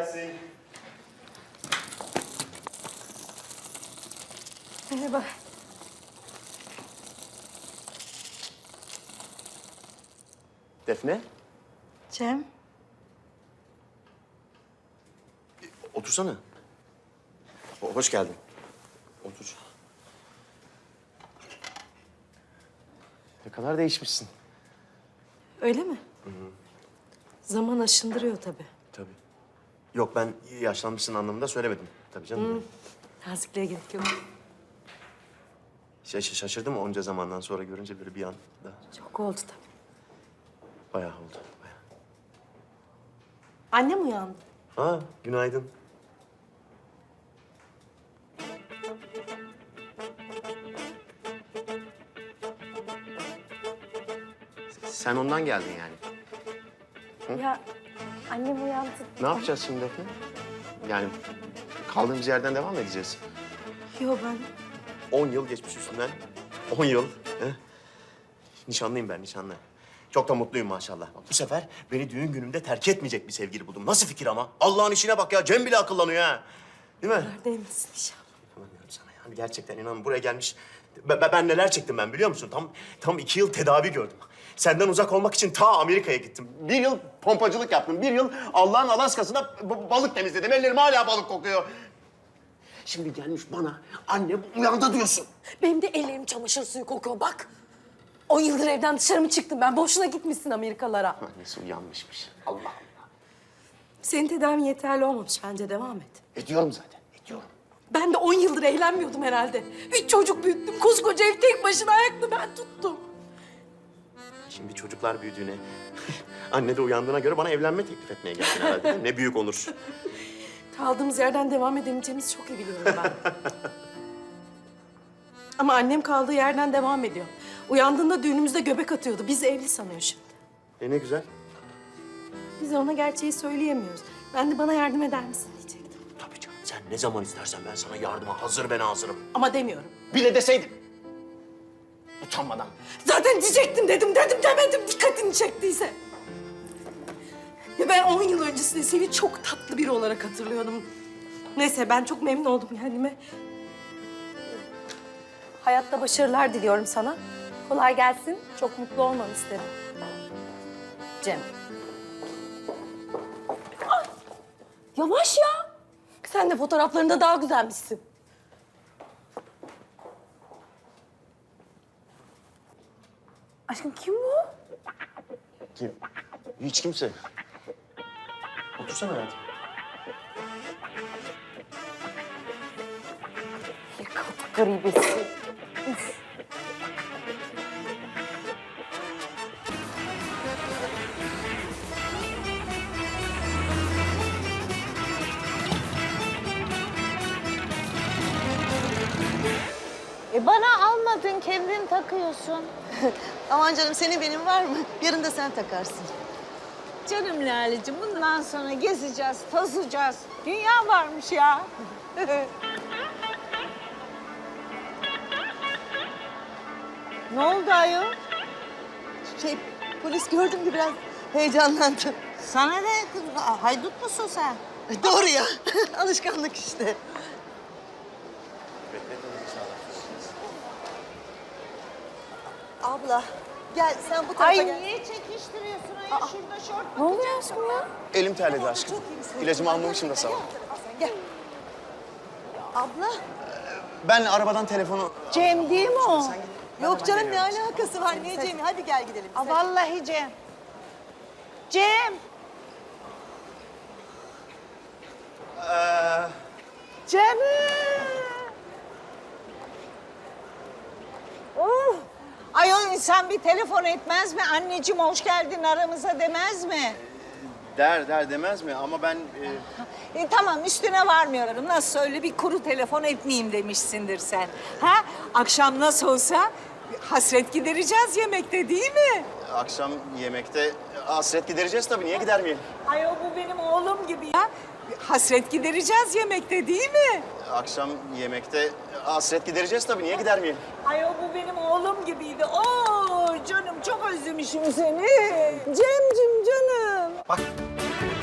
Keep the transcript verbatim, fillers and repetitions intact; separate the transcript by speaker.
Speaker 1: gelsin.
Speaker 2: Merhaba.
Speaker 1: Defne,
Speaker 2: Cem.
Speaker 1: otursana. Ho- Hoş geldin. Otur. Ne kadar değişmişsin.
Speaker 2: Öyle mi? Zaman aşındırıyor tabii.
Speaker 1: Tabii. Yok, ben yaşlanmışsın anlamında söylemedim. Tabii canım.
Speaker 2: Nazikliğe gerek yok.
Speaker 1: Şaş şaşırdım onca zamandan sonra görünce böyle bir anda.
Speaker 2: Çok oldu tabii.
Speaker 1: Bayağı oldu, bayağı.
Speaker 2: Annem uyandı.
Speaker 1: Ha, günaydın. Sen ondan geldin yani.
Speaker 2: Ya annem uyandı.
Speaker 1: Ne yapacağız şimdi Defne? Yani kaldığımız yerden devam edeceğiz.
Speaker 2: Yo ben...
Speaker 1: On yıl geçmiş üstünden. On yıl. He? Nişanlıyım ben, nişanlı. Çok da mutluyum maşallah. Bak, bu sefer beni düğün günümde terk etmeyecek bir sevgili buldum. Nasıl fikir ama? Allah'ın işine bak ya. Cem bile akıllanıyor ha. Değil mi?
Speaker 2: Neredeymişsin inşallah.
Speaker 1: İnanamıyorum sana yani. Gerçekten inan buraya gelmiş. Ben, ben neler çektim ben biliyor musun? Tam tam iki yıl tedavi gördüm. Senden uzak olmak için ta Amerika'ya gittim. Bir yıl pompacılık yaptım. Bir yıl Allah'ın Alaska'sında b- balık temizledim. Ellerim hala balık kokuyor. Şimdi gelmiş bana annem uyandı diyorsun.
Speaker 2: Benim de ellerim çamaşır suyu kokuyor bak. On yıldır evden dışarı mı çıktım ben? Boşuna gitmişsin Amerikalara.
Speaker 1: Annesi uyanmışmış. Allah Allah.
Speaker 2: Senin tedavin yeterli olmamış bence devam et.
Speaker 1: Ediyorum zaten, ediyorum.
Speaker 2: Ben de on yıldır eğlenmiyordum herhalde. Üç çocuk büyüttüm. Koskoca ev tek başına ayakta ben tuttum.
Speaker 1: Şimdi çocuklar büyüdüğüne, anne de uyandığına göre bana evlenme teklif etmeye geldin herhalde. Değil mi? Ne büyük onur.
Speaker 2: Kaldığımız yerden devam edemeyeceğimizi çok iyi biliyorum ben. Ama annem kaldığı yerden devam ediyor. Uyandığında düğünümüzde göbek atıyordu. Bizi evli sanıyor şimdi.
Speaker 1: E ne güzel.
Speaker 2: Biz ona gerçeği söyleyemiyoruz. Ben de bana yardım eder misin diyecektim.
Speaker 1: Tabii canım. Sen ne zaman istersen ben sana yardıma hazır ben hazırım.
Speaker 2: Ama demiyorum.
Speaker 1: Bile deseydin. Utanmadan.
Speaker 2: Zaten diyecektim dedim, dedim demedim dikkatini çektiyse. Ya ben on yıl öncesinde seni çok tatlı biri olarak hatırlıyordum. Neyse ben çok memnun oldum kendime. Hayatta başarılar diliyorum sana. Kolay gelsin. Çok mutlu olmanı isterim. Cem. Ah! Yavaş ya. Sen de fotoğraflarında daha güzelmişsin. Aşkım kim bu?
Speaker 1: Kim? Hiç kimse. Otursana hayatım.
Speaker 2: Yıkıldık garibesi. Üf.
Speaker 3: E bana almadın, kendin takıyorsun.
Speaker 4: Aman canım senin benim var mı? Yarın da sen takarsın.
Speaker 3: Canım Lale'cim bundan sonra gezeceğiz, tozacağız. Dünya varmış ya. Ne oldu ayol?
Speaker 4: Şey polis gördüm de biraz heyecanlandım.
Speaker 3: Sana ne kız? Haydut musun sen?
Speaker 4: Doğru ya. Alışkanlık işte. Abla gel sen bu tarafa
Speaker 3: Ay
Speaker 4: gel.
Speaker 3: niye çekiştiriyorsun ayol? Şurada şort
Speaker 2: Ne oluyor aşkım ya?
Speaker 1: Elim terledi aşkım.
Speaker 4: Çok iyisin.
Speaker 1: İlacımı almamışım da sağ ol.
Speaker 4: Gel. Abla.
Speaker 1: Ben arabadan telefonu...
Speaker 3: Cem değil mi o?
Speaker 4: Yok canım ne alakası var? Ne Cem'i? Hadi gel gidelim.
Speaker 3: Aa, vallahi Cem. Cem.
Speaker 1: Ee,
Speaker 3: Cem. Oh. Ayol insan bir telefon etmez mi? Anneciğim hoş geldin aramıza demez mi?
Speaker 1: der der demez mi? Ama ben... E...
Speaker 3: E, tamam üstüne varmıyorum. Nasıl öyle bir kuru telefon etmeyeyim demişsindir sen. Ha? Akşam nasıl olsa hasret gidereceğiz yemekte değil mi?
Speaker 1: Akşam yemekte hasret gidereceğiz tabii. Niye gidermeyelim?
Speaker 3: Ayol bu benim oğlum gibi ya. Hasret gidereceğiz yemekte değil mi?
Speaker 1: Akşam yemekte hasret gidereceğiz tabii. Niye gidermeyelim?
Speaker 3: Ayol bu benim oğlum gibiydi. Oo canım çok özlemişim seni. Cemcim canım.
Speaker 1: Bak